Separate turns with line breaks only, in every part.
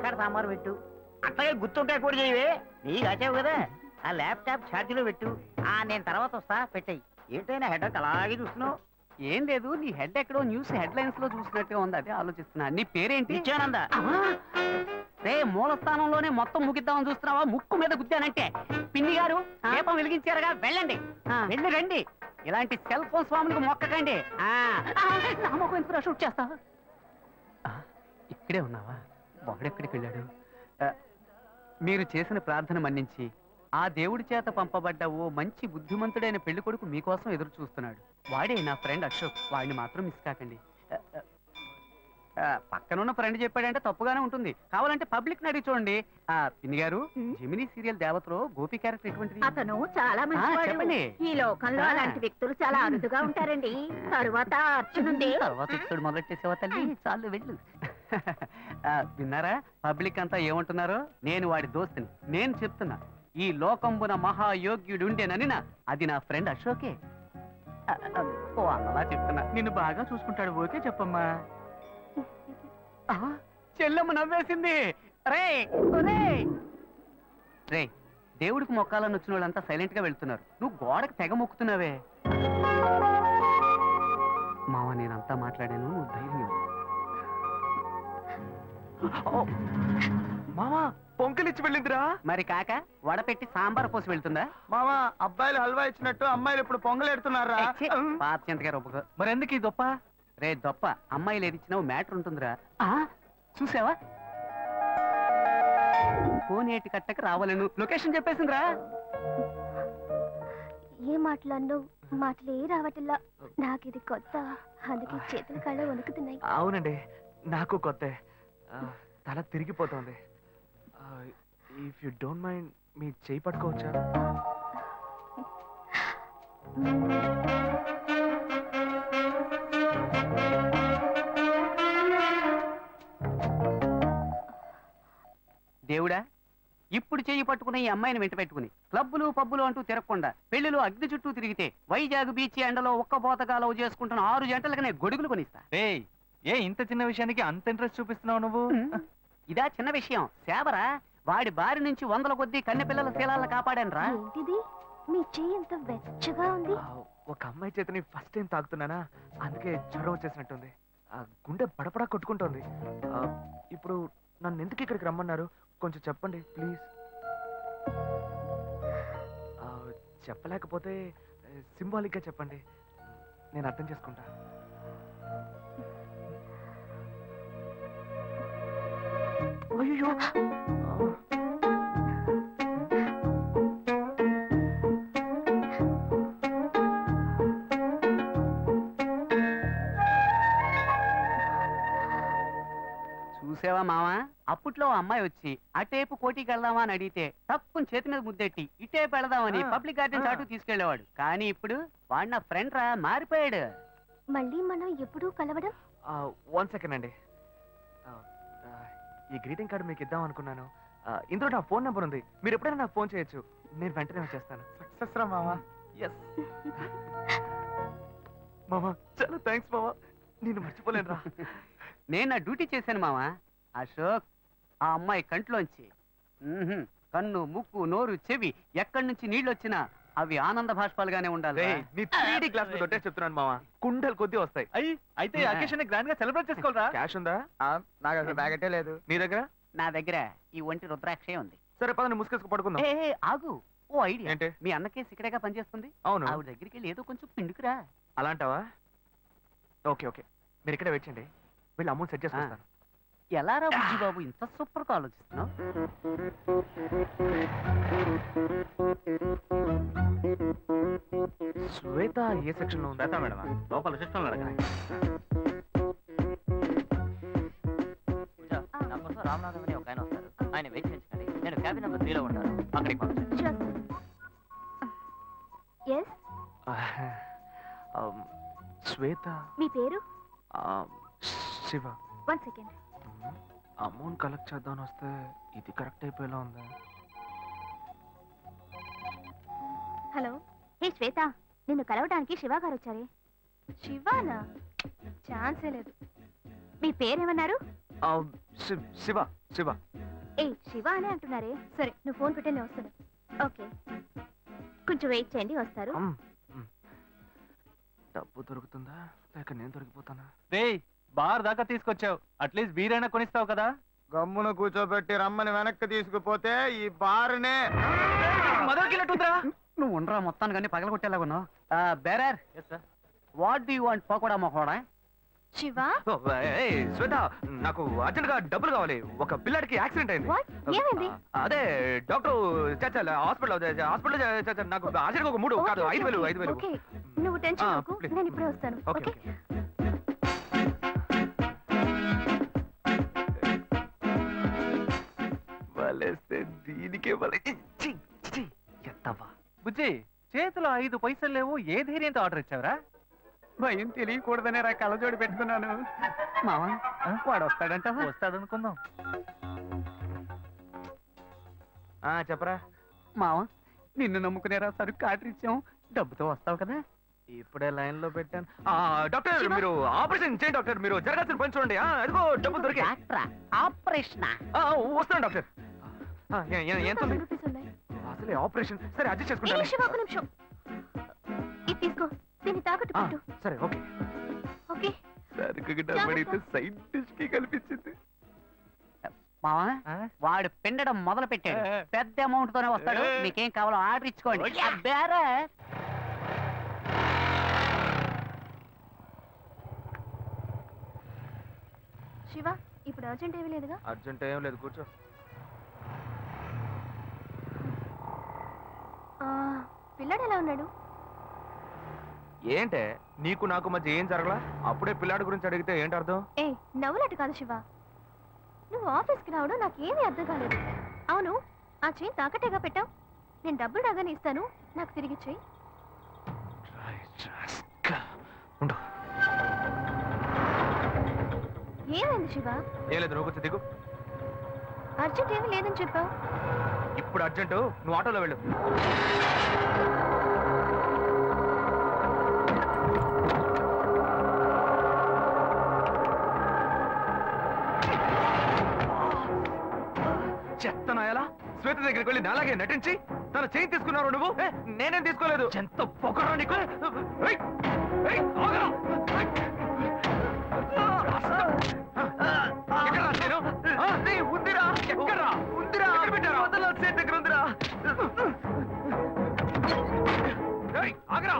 మునక్కాడ సాంబార్ పెట్టు. అట్లాగే గుత్తొంకాయ కూర చేయవే, నీకు కాచావు కదా. ఆ ల్యాప్టాప్ ఛార్జీలో పెట్టు. నేను తర్వాత వస్తా, పెట్టాయి. ఏంటైనా హెడ్ అలాగే చూస్తున్నావు?
ఏం లేదు, నీ హెడ్ ఎక్కడో న్యూస్ హెడ్ లైన్స్ లో చూసినట్టుగా ఉంది, అదే ఆలోచిస్తున్నా. నీ పేరేంటి?
నిత్యానంద.
రే, మూల స్థానంలోనే మొత్తం ముగిద్దామని చూస్తున్నావా? ముక్కు మీద గుద్దానంటే. పిన్ని గారు దీపం వెలిగించారుగా, వెళ్ళండి. వెళ్ళి రండి. ఇలాంటి సెల్ ఫోన్ స్వాములకు మొక్కకండి. షూట్ చేస్తా. ఇక్కడే ఉన్నావా? వాడెక్కడికి వెళ్ళాడు? మీరు చేసిన ప్రార్థన మన్నించి ఆ దేవుడి చేత పంపబడ్డ ఓ మంచి బుద్ధిమంతుడైన పెళ్లి కొడుకు మీకోసం ఎదురు చూస్తున్నాడు. వాడే నా ఫ్రెండ్ అశోక్. వాడిని మాత్రం మిస్ కాకండి. పక్కనున్న ఫ్రెండ్ చెప్పాడంటే తప్పుగానే ఉంటుంది, కావాలంటే పబ్లిక్ అడిగి చూడండి. పిన్ని గారు, జెమినీ సీరియల్ దేవతలో గోపి క్యారెక్టర్ ఎటువంటిది?
అతను చాలా మంచివాడు. ఈ లోకంలో అలాంటి వ్యక్తులు చాలా అరుదుగా ఉంటారండి. తరువాత అర్చనుంది.
తర్వాత ఇక్కడ మొదలెట్టేసేవా తల్లి? చాలు వెళ్ళు. విన్నారా పబ్లిక్ అంతా ఏమంటున్నారో? నేను వాడి దోస్తుని. నేను చెప్తున్నా, ఈ లోకంబున మహాయోగ్యుడుండేనని అది నా ఫ్రెండ్ అశోకే. అలా చెప్తున్నా, నిన్ను బాగా చూసుకుంటాడు. ఓకే చెప్పమ్మా. చెల్లెమ్మ నవ్వేసింది. రే రే, దేవుడికి మొక్కాలని వచ్చిన వాళ్ళంతా సైలెంట్ గా వెళ్తున్నారు, నువ్వు గోడకు తెగ మొక్కుతున్నావే. మావ, నేనంతా మాట్లాడాను, నువ్వు ధైర్యం.
మామా, పొంకలిచ్చి వెళ్ళిందిరా.
మరి కాక వడపెట్టి సాంబార్ పోసి వెళ్తుందా?
మామా, అబ్బాయిలు హల్వా ఇచ్చినట్టు అమ్మాయిలు ఇప్పుడు పొంగలెడుతున్నారా?
పాత చింతగా రొప్ప. మరి ఎందుకు ఈ దొప్ప? రే దొప్ప, అమ్మాయిలు ఏది ఇచ్చినావు మ్యాటర్ ఉంటుందిరా. చూసావా, కోనేటి కట్టకు రావాలను లొకేషన్ చెప్పేసిందిరా.
ఏ మాట్లాడినో మాటలే రావట్లా. నాకు ఇది కొత్త, అందుకే చేతుల కళ్ళ వణుకుతున్నాయి.
అవునండి, నాకు కొత్త. తల తిరిగిపోతుంది. ఇఫ్ యు డోంట్ మైండ్, మీ చేయి పట్టుకోవచ్చా?
దేవుడా, ఇప్పుడు చెయ్యి పట్టుకున్న ఈ అమ్మాయిని వెంట పెట్టుకుని క్లబ్బులు పబ్బులు అంటూ తిరగకుండా పెళ్లిలో అగ్ని చుట్టూ తిరిగితే వైజాగ్ బీచ్ ఎండలో ఒక్క పోతగా లవ్ చేసుకుంటున్న 6 జంటలకనే గొడుగులు కొనిస్తా.
ఏ ఇంత చిన్న విషయానికి అంత ఇంట్రెస్ట్ చూపిస్తున్నావు నువ్వు?
ఇదా చిన్న విషయం? సేవరా, వాడి బారి నుంచి 100 కొద్దీ కన్నె పిల్లల శీలాలను కాపాడాను రా.
మీ చెయ్యి ఎంత వెచ్చగా ఉంది.
ఒక అమ్మాయి చేతని ఫస్ట్ టైం తాగుతున్నానా, అందుకే జ్వరం వచ్చేసినట్టుంది. గుండె పడపడా కొట్టుకుంటోంది. ఇప్పుడు నన్ను ఎందుకు ఇక్కడికి రమ్మన్నారు? కొంచెం చెప్పండి ప్లీజ్. చెప్పలేకపోతే సింబాలిక్ గా చెప్పండి, నేను అర్థం చేసుకుంటా. అయ్యో,
చూసావా మావా, అప్పట్లో అమ్మాయి వచ్చి అటేపు కోటికి వెళ్దామా అని అడిగితే తప్పుని చేతి మీద ముద్దెట్టి ఇటేపు వెళదామని పబ్లిక్ గార్డెన్ చాటు తీసుకెళ్లేవాడు. కానీ ఇప్పుడు వాడు నా ఫ్రెండ్ రా, మారిపోయాడు.
మళ్ళీ మనం ఎప్పుడూ కలవడం?
1 సెకండ్ అండి. ఈ గ్రీటింగ్ కార్డు మీకు ఇద్దాం అనుకున్నాను. ఇందులో నా ఫోన్ నెంబర్ ఉంది, మీరు ఎప్పుడైనా నాకు ఫోన్ చేయొచ్చు, నేను వెంటనే వచ్చేస్తాను. సక్సెస్ రా మామా. ఎస్ మామా, చాలా థ్యాంక్స్ మామా, నేను మర్చిపోలేను రా.
నేను నా డ్యూటీ చేశాను మావా. అశోక్, ఆ అమ్మాయి కంట్లోంచి కన్ను, ముక్కు, నోరు, చెవి ఎక్కడి నుంచి నీళ్ళు వచ్చినా అవి ఆనంద భాష్పాలుగానే ఉండాలి.
నీ 3D గ్లాస్ మీద ఒట్టే చెప్తున్నాను మావా, కుండలు కొద్ది వస్తాయి. అయితే అకేషన్ గ్రాండ్ గా సెలబ్రేట్ చేసుకోవాలరా. క్యాష్ ఉందా? నాకు అసలు బ్యాగెటే లేదు. నీ దగ్గర?
నా దగ్గర ఈ ఒంటి రుద్రాక్షే ఉంది.
సరే పద, ముసుకేసుకు పడుకుందాం.
ఆగు, ఓ ఐడియా. ఏంటి? మీ అన్న కేసు ఇక్కడేగా పనిచేస్తుంది.
అవును.
ఆవిడ దగ్గరికి వెళ్ళి ఏదో కొంచెం పిండుకురా.
అలాంటావా? ఓకే ఓకే, మీరు ఇక్కడ వెయిట్ చేయండి, వీళ్ళు అమౌంట్ సెట్ చేసుకుంటాను.
ఎలా రా బుజ్జి బాబు, ఇంత సూపర్ గా ఆలోచిస్తున్నావు?
శ్వేత ఏ సెక్షన్ లో ఉందా? మేడం లోపల సెక్షన్ లో అడగండి.
రామనాథం అని ఒక ఆయన వస్తారు, ఆయన వెయిట్ చేయించండి. నేను క్యాబిన్ నెంబర్ 3 లో ఉంటాను, అక్కడికి పంపించండి.
శ్వేత.
మీ పేరు?
శివ.
1 సెకండ్.
అమౌంట్ కలెక్ట్ చేద్దామని వస్తే ఇది కరెక్ట్ అయిపోయేలా ఉంది.
హలో, హే శ్వేత, నిన్ను కలవడానికి శివ గారు వచ్చారే. శివానా? ఛాన్సే లేదు. మీ పేరేమన్నారు?
శివ. శివ.
ఏ శివ అనే అంటున్నారే. సరే నువ్వు ఫోన్ పెట్టే నేను వస్తాను. ఓకే కొంచెం వెయిట్ చేయండి, వస్తారు.
డబ్బు దొరుకుతుందా లేక నేను దొరికిపోతానా?
రేయ్ బార్ దాకా తీసుకొచ్చావు, అట్లీస్ట్ బీరైనా కొనిస్తావు కదా.
గమ్మున కూర్చోబెట్టి రమ్మని వెనక్కి తీసుకుపోతే ఈ బారునే
మొదలుకెళ్ళట్టుందిరా.
నువ్వు ఉండరా మొత్తాన్ని కానీ పగలగొట్టేలాగా ఉన్నావు. Bearer what do you want pakoda మొహోడా?
శివ
శ్వేత, నాకు అర్జెంట్ గా డబ్బులు కావాలి. ఒక పిల్లాడికి యాక్సిడెంట్ అయింది.
వాట్ ఏమైంది?
అదే డాక్టర్ హాస్పిటల్ నాకు అర్జెంట్ గా ఒక 3 కాదు 5,000.
ఓకే నువ్వు టెన్షన్ అవ్వకు,
please.
నేను ఇప్పుడే వస్తాను.
ఓకే
ఓకే
వలేస్తే దీనికే ఎత్తవా.
బుజ్జి చేతిలో 5 పైసలు లేవు, ఏ ధైర్యంతో ఆర్డర్ ఇచ్చావురా? భయం తెలియకూడదనే రా కళ్ళజోడి పెట్టుకున్నాను. మావా వాడు వస్తాడంట.
వస్తాడనుకుందాం. చెప్పరా
మావా నిన్ను నమ్ముకునేరా సరుకు ఆర్డర్ ఇచ్చాం, డబ్బుతో వస్తావు కదా.
ఇప్పుడే లైన్ లో పెట్టాను. డాక్టర్ మీరు ఆపరేషన్ చేయండి డాక్టర్. మీరు జరగాల్సిన పని చూడండి. అదిగో డబ్బులు దొరికి
ఆపరేషన్
వస్తాను డాక్టర్. ఎంత ఉంది?
1000 రూపీస్ ఉన్నాయి.
అసలే ఆపరేషన్. సరే అడ్జస్ట్
ఏ
చేసుకుంటాను.
శివ, ఒక నిమిషం. ఇది తీసుకో, దీన్ని తాకట్టు పెట్టు.
సరే ఓకే.
ఓకే
సరుకు డబ్బడితే సైడ్ డిష్ కి కల్పించింది.
మావా వాడు పిండడం మొదలు పెట్టాడు. పెద్ద అమౌంట్ తోనే వస్తాడు. మీకేం కావాలో ఆర్డర్ ఇచ్చుకోండి. బేరే
శివ, ఇప్పుడు అర్జెంట్ ఏమీ లేదుగా?
అర్జెంట్ ఏం లేదు, కూర్చో.
పిల్లాడు ఎలా ఉన్నాడు?
ఏంటే నీకు నాకు మధ్య ఏం జరగలా? అప్పుడే పిల్లాడి గురించి అడిగితే ఏంటి అర్థం?
ఏ నవ్వులట్టు కాదు శివ, నువ్వు ఆఫీస్కి రావడం నాకేమీ అర్థం కాలేదు. అవును, ఆ చైన్ తాకట్టేగా పెట్టావు. నేను డబ్బులు రాగానే ఇస్తాను, నాకు తిరిగి చెయ్యి. ఏమైంది శివ?
ఏం లేదు, నువ్వు కొంచెం దిగు.
అర్జెంట్ ఏమీ లేదని చెప్పావు.
ఇప్పుడు అర్జెంటు, నువ్వు ఆటోలో వెళ్ళు. చెత్తనాయలా శ్వేత దగ్గరికి వెళ్ళి నాలాగే నటించి తన చేయి తీసుకున్నావు నువ్వు. నేనేం తీసుకోలేదు. ఎంత పొగరా నీకు. ఉందిరా ఎక్కడా ఉందిరా పెట్టారా సేట్ దగ్గర ఉందిరా. ఆగరా.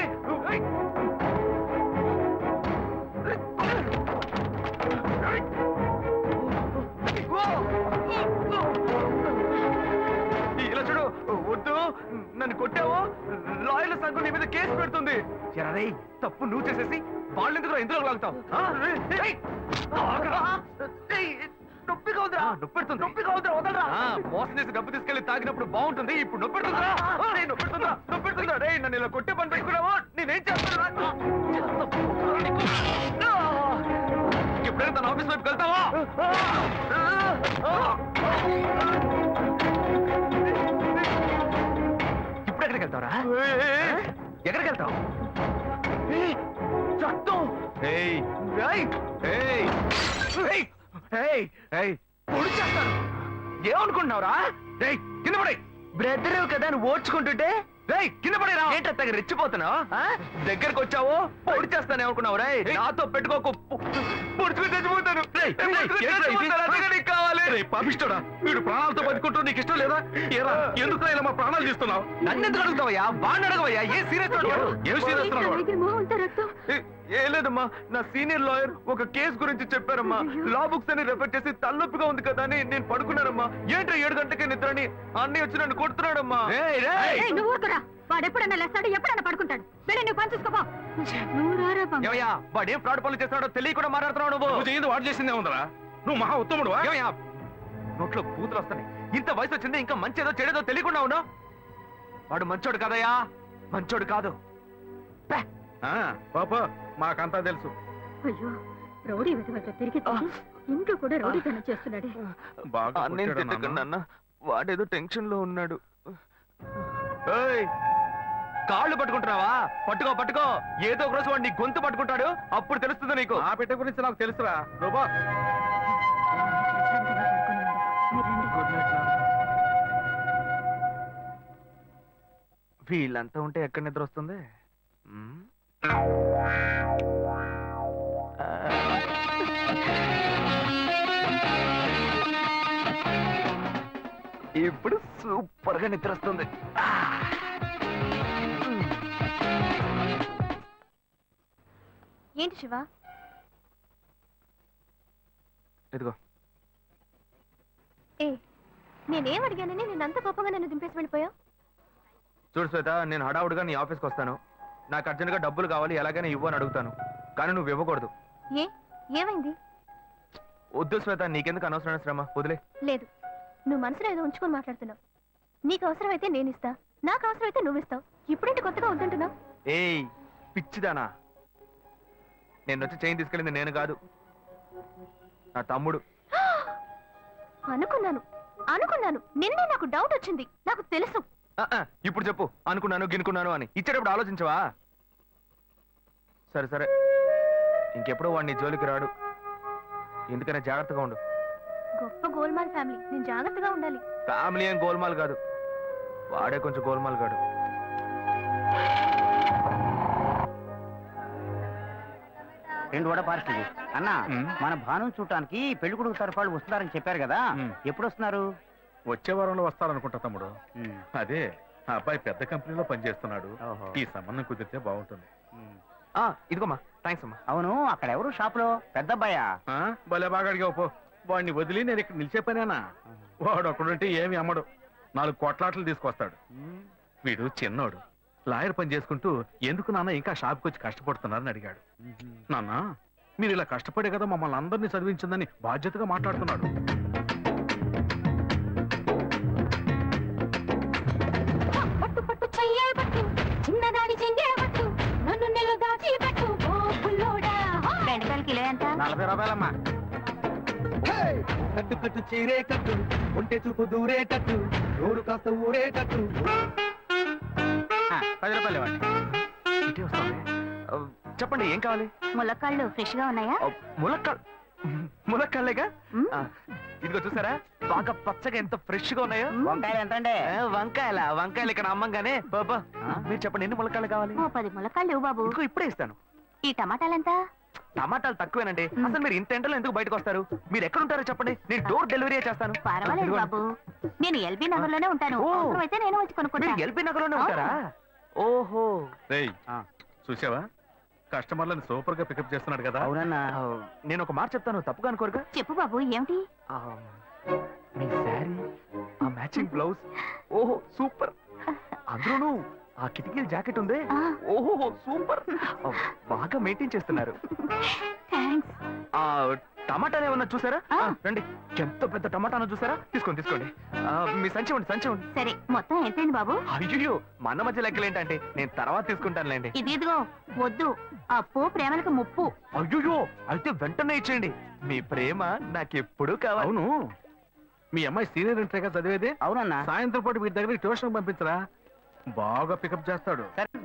ఇలా చూడు, వద్దు నన్ను కొట్టావు, లాయర్ల సంఘం నీ మీద కేసు పెడుతుంది. ఎరే తప్పు నువ్వు చేసేసి వాళ్ళు ఎందుకు ఇందులో లాగుతావు? నొప్పిగా ఉందిరా. నొప్పెడుతుంది. నొప్పిగా ఉందిరా, వదలరా. మోసం చేసి డబ్బు తీసుకెళ్లి తాగినప్పుడు బాగుంటుంది, ఇప్పుడు నొప్పెడుతుందా? నొప్పెడుతుందా? నొప్పెడుతుందా? రే నన్ను ఇలా కొట్టే పని పెట్టుకున్నావా? నేనేం చేస్తాను? ఎప్పుడైనా తన ఆఫీస్ వైపు వెళ్తావా? ఇప్పుడు ఎక్కడికి వెళ్తావరా? ఎక్కడికి వెళ్తావు? చట్టం. పొడి చేస్తాను. ఏమనుకుంటున్నావురా? కింద పడే బ్రదర్ కదా నువ్వు ఓడ్చుకుంటుంటే. కింద పడేరా. ఏంటో రెచ్చిపోతున్నావు? దగ్గరకు వచ్చావు పొడి చేస్తాను ఏమనుకున్నావు? రే నాతో పెట్టుకోకు, పొడుచుకుని చచ్చిపోతాను. కావాలి పాపిస్తాడా? వీడు ప్రాణాలతో బతుకుంటూ నీకు ఇష్టం లేదా? ఏరా ఎందుకు ఇలా మా ప్రాణాలు తీస్తున్నావు? నన్ను ఎందుకు అడుగుతావయ్యా? బాగా అడగవయ్యా. ఏ సీరియస్ ఏం సీరియస్? ఏ లేదమ్మా, నా సీనియర్ లాయర్ ఒక కేసు గురించి చెప్పారమ్మా. లా బుక్స్ అని రెఫర్ చేసి తలనొప్పిగా ఉంది కదా అని నేను పడుకున్నానమ్మా. ఏంటో 7 గంటలకే నిద్రని అన్నీ వచ్చి నన్ను కొడుతున్నాడమ్మా.
వాడు ఎప్పుడన్నా లేస్తాడు, ఎప్పుడన్నా పడుకుంటాడు. వెళ్ళి నువ్వు పని చూసుకోపో.
వాడు ఏం ఫ్రాడ్ పనులు చేస్తున్నాడో తెలియకుండా మాట్లాడుతున్నావు నువ్వు. వాడు చేసిందే ఉందరా? నువ్వు మహా ఉత్తముడు. నోట్లో కూతురు వస్తాయి. ఇంత వయసు వచ్చింది, ఇంకా మంచిదో చెడేదో తెలియకుండా ఉన్నావు. వాడు మంచోడు కదయ్యా, మంచోడు కాదు.
పాప మాకంతా తెలుసు.
అయ్యో రౌడీ వెతవట తిరిగి ఇంట్లో కూడా రౌడీతనం చేస్తున్నాడే.
బాగా
నేను తిట్టకండి అన్న, వాడేదో టెన్షన్ లో ఉన్నాడు. కాళ్ళు పట్టుకుంటున్నావా? పట్టుకో పట్టుకో. ఏదో ఒక రోజు వాడు నీ గొంతు పట్టుకుంటాడు, అప్పుడు తెలుస్తుంది నీకు.
ఆ పెట్టె గురించి నాకు తెలుసురా. రూపా
మీరు రండి.
గుడ్ నైట్ వీళ్ళంతా ఉంటే ఎక్కడ నిద్ర వస్తుంది? ఇప్పుడు సూపర్ గా నిద్ర వస్తుంది.
ఏంటి శివ?
ఇదిగో
ఏ నేనేం అడిగానని నేను అంత కోపంగా నన్ను దింపేసి వెళ్ళిపోయావు?
చూడు శ్వేత, నేను హడావుడిగా నీ ఆఫీస్కి వస్తాను. నాకు అర్జెంట్గా డబ్బులు కావాలి, ఎలాగైనా ఇవ్వు అని అడుగుతాను. కానీ నువ్వు ఇవ్వకూడదు.
ఏ ఏమైంది?
వద్దు శ్వేత, నీకెందుకు అనవసరమైన శ్రమ, వదిలే.
లేదు, నువ్వు మనసులో ఏదో ఉంచుకొని మాట్లాడుతున్నావు. నీకు అవసరమైతే నేను ఇస్తా, నాకు అవసరమైతే నువ్వు ఇస్తావు. ఇప్పుడేంటి కొత్తగా వద్దంటున్నావు?
ఏయ్ పిచ్చిదానా, నేను వచ్చి చైన్ తీసుకెళ్ళింది నేను కాదు, నా తమ్ముడు.
అనుకున్నాను నిన్నే నాకు డౌట్ వచ్చింది. నాకు తెలుసు.
ఇప్పుడు చెప్పు, అనుకున్నాను గినుకున్నాను అని. ఇచ్చేటప్పుడు ఆలోచించవా? సరే సరే, ఇంకెప్పుడు వాడిని జోలికి రాడు. ఎందుకనే జాగ్రత్తగా ఉండు.
గొప్ప గోల్మాల్ ఫ్యామిలీ, నేను జాగ్రత్తగా ఉండాలి.
ఫ్యామిలీ ఏం గోల్మాల్ కాదు, వాడే కొంచెం గోల్మాల్ కాడు.
రెండు వడ పార్సల్ అన్నా. మన భాను చూడటానికి పెళ్లి కొడుకు తరఫు వాళ్ళు వస్తున్నారని చెప్పారు కదా, ఎప్పుడు వస్తున్నారు?
వచ్చే వారంలో వస్తారనుకుంటా తమ్ముడు. అదే ఆ అబ్బాయి పెద్ద కంపెనీలో పనిచేస్తున్నాడు. ఈ సంబంధం కుదిరితే బాగుంటుంది.
ఇదిగోమ్మా, థ్యాంక్స్ అమ్మా.
అవును, అక్కడ ఎవరు షాప్ లో? పెద్ద అబ్బాయా?
భలే బాగా అడిగావు పో. వాడిని వదిలి నేను ఇక్కడ నిలిచే పనేనా? వాడు ఒకడుంటే ఏమి అమ్మడు, 4 కొట్లాట్లు తీసుకొస్తాడు. వీడు చిన్నోడు, లాయర్ పని చేసుకుంటూ ఎందుకు నాన్న ఇంకా షాప్కి వచ్చి కష్టపడుతున్నారని అడిగాడు. నాన్న, మీరు ఇలా కష్టపడే కదా మమ్మల్ని అందరినీ చదివించిందని బాధ్యతగా మాట్లాడుతున్నాడు.
చిన్నదాని చెంగేవట్టు నన్ను నెల దాచి పెట్టు ఓ పుల్లోడా. బెండకాయలు కిలో ఎంత?
40 రూపాయలమ్మా.
కట్టు కట్టు చీరే కట్టు, ఒంటె చూపు దూరే కట్టు, నోరు కాస్త ఊరే కట్టు.
10 రూపాయలు ఇవ్వండి.
ఇటే వస్తాను. చెప్పండి, ఏం కావాలి?
ములక్కాళ్ళు ఫ్రెష్ గా ఉన్నాయా?
ములక్కాళ్ళేగా. ఇదిగో చూసారా, బాగా పచ్చగా ఎంత ఫ్రెష్ గా ఉన్నాయో.
వంకాయలు ఎంత అండి?
వంకాయలు ఇక్కడ అమ్మంగానే. బాబా, మీరు చెప్పండి, ఎన్ని ములక్కాళ్ళు కావాలి?
ఓ 10 ములక్కాళ్ళు ఇవ్వు బాబు.
ఇదిగో ఇప్పుడే ఇస్తాను.
ఈ టమాటాలు ఎంత?
టమాటాలు తక్కువేనండి. అసలు మీరు ఇంత ఎండలో ఎందుకు బయటకు వస్తారు? మీరు ఎక్కడ ఉంటారో చెప్పండి, నేను డోర్ డెలివరీ చేస్తాను.
పర్వాలేదు బాబు, నేను ఎల్బీ నగర్ లోనే ఉంటాను.
ఓ.
అయితే నేను వచ్చి కొనుక్కుంటా.
మీరు ఎల్బీ నగర్ లోనే ఉంటారా? ఓహో.
రేయ్, చూసావా కస్టమర్లను సూపర్ గా పికప్ చేస్తున్నాడు కదా.
అవునన్నా.
నేను ఒక మాట చెప్తాను, తప్పుగా అనుకోరుగా?
చెప్పు బాబు, ఏమిటి?
మీ శారీ, ఆ మ్యాచింగ్ బ్లౌజ్, ఓహో సూపర్. అందులోనూ ఆ కిటికీల జాకెట్ ఉంది, ఓహో సూపర్. బాగా మెయింటైన్ చేస్తున్నారు.
థాంక్స్.
ఆ టమాటాలు ఏమన్నా చూసారా? రండి, ఎంత పెద్ద టమాటాను చూసారా? తీసుకోండి తీసుకోండి. మీ సంచి ఉండి సంచి ఉండి.
సరే, మొత్తం ఎంతైంది బాబు?
అయ్యో, మన మధ్య లెక్కలేంటంటే, నేను తర్వాత తీసుకుంటానులేండి.
ఇదిగో వద్దు, అప్పు ప్రేమలకు ముప్పు.
అయ్యో, అయితే వెంటనే ఇచ్చేయండి. మీ ప్రేమ నాకెప్పుడు కావాలి.
అవును, మీ అమ్మాయి సీనియర్ ఇంటర్గా చదివేది.
అవునన్నా.
సాయంత్రం పాటు వీటి దగ్గర ట్యూషన్ పంపించరా, బాగా పికప్ చేస్తాడు.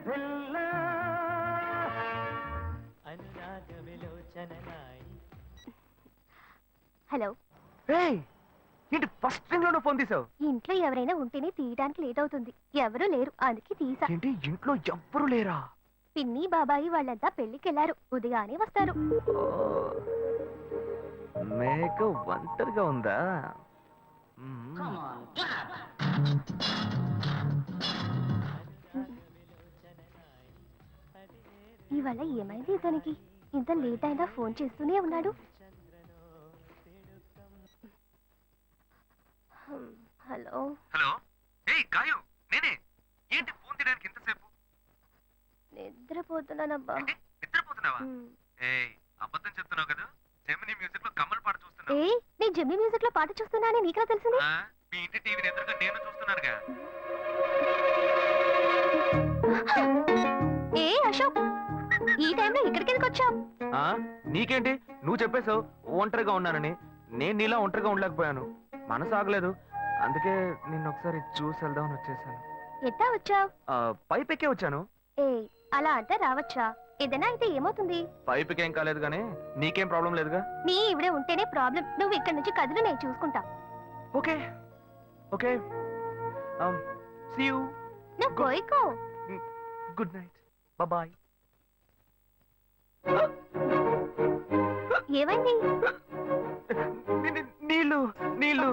హలో.
ఏంటి ఫస్ట్ రింగ్ లోనే ఫోన్ తీసావు?
ఇంట్లో ఎవరైనా ఉంటేనే తీయడానికి లేట్ అవుతుంది. ఎవరూ లేరు, అందుకే తీసా.
ఏంటి ఇంట్లో ఎవ్వరు లేరా?
పిన్ని బాబాయి వాళ్ళంతా పెళ్లికెళ్లారు, ఉదయానే వస్తారు.
మేక ఒంటరిగా ఉందా?
ఇవాళ ఏమైంది ఇతనికి? ఇంత లేట్ అయినా ఫోన్ చేస్తూనే ఉన్నాడు. హలో.
హలో. ఏయ్ గాయు, నేనే. ఏంటి ఫోన్ తీయడానికి ఎంతసేపు?
నిద్రపోతున్నానబ్బా.
నిద్రపోతున్నావా? ఏయ్, అబద్ధం చెప్తున్నావు కదా. జెమినీ మ్యూజిక్ లో కమల్ పాట చూస్తున్నావు.
ఏ, నేను జెమినీ మ్యూజిక్ లో పాట చూస్తున్నానని నీకెలా తెలిసింది?
మీ ఇంటి టీవీని ఎదురుగా నేను చూస్తున్నానుగా.
ఏ అశోక్, ఈ టైంలో ఇక్కడికి ఎందుకు వచ్చావు?
నీకేంటి, నువ్వు చెప్పేశావు ఒంటరిగా ఉన్నానని. నేను నీలా ఒంటరిగా ఉండలేకపోయాను, మనసు ఆగలేదు. అందుకే నిన్ను ఒకసారి చూసి వెళ్దామని వచ్చేసాను.
ఎట్టా వచ్చావు?
పైపెక్కే వచ్చాను.
ఏ, అలా అంటే రావచ్చా? ఏదైనా అయితే ఏమవుతుంది?
పైపుకేం కాలేదు కానీ నీకేం ప్రాబ్లం లేదుగా.
నీ ఇవిడే ఉంటేనే ప్రాబ్లం. నువ్వు ఇక్కడి నుంచి కదులు, నేను చూసుకుంటా.
ఓకే ఓకే సీ యూ
నువ్వు పోయికో.
Good night bye.
ఏమైంది?
నీళ్ళు నీళ్ళు.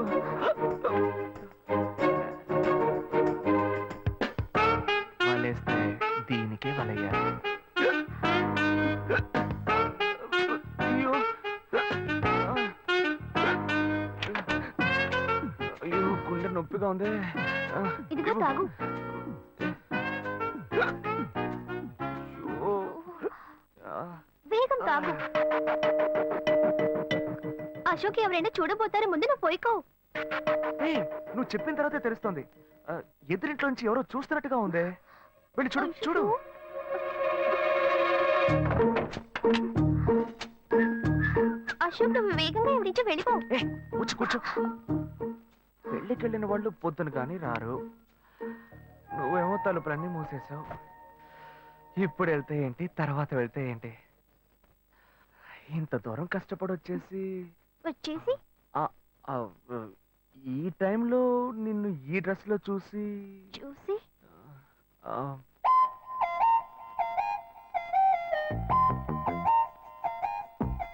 వలేస్తే దీనికే వలయ్యారు. అయ్యో అయ్యో గుండె నొప్పిగా ఉంది.
ఇదిగో తాగు.
అయ్యో.
వేగం తాగు. అశోక్ ఎవరైనా చూడబోతారు, ముందు నువ్వు పోయికో.
ఏయ్, నువ్వు చెప్పిన తర్వాతే తెలుస్తోంది. ఎదురింట్లోంచి ఎవరో చూస్తున్నట్టుగా ఉంది. వెళ్ళి చూడు చూడు.
అశోక్ నువ్వు వేగంగా ఎవరించి వెళ్ళిపో.
కూర్చో కూర్చో. పెళ్ళికెళ్ళిన వాళ్ళు పొద్దున కానీ రారు. నువ్వేమో తలుపులన్నీ మూసేశావు. ఇప్పుడు వెళ్తే ఏంటి, తర్వాత వెళ్తే ఏంటి? ఇంత దూరం కష్టపడి వచ్చేసి ఈ టైంలో నిన్ను ఈ డ్రెస్ లో చూసి ఆ,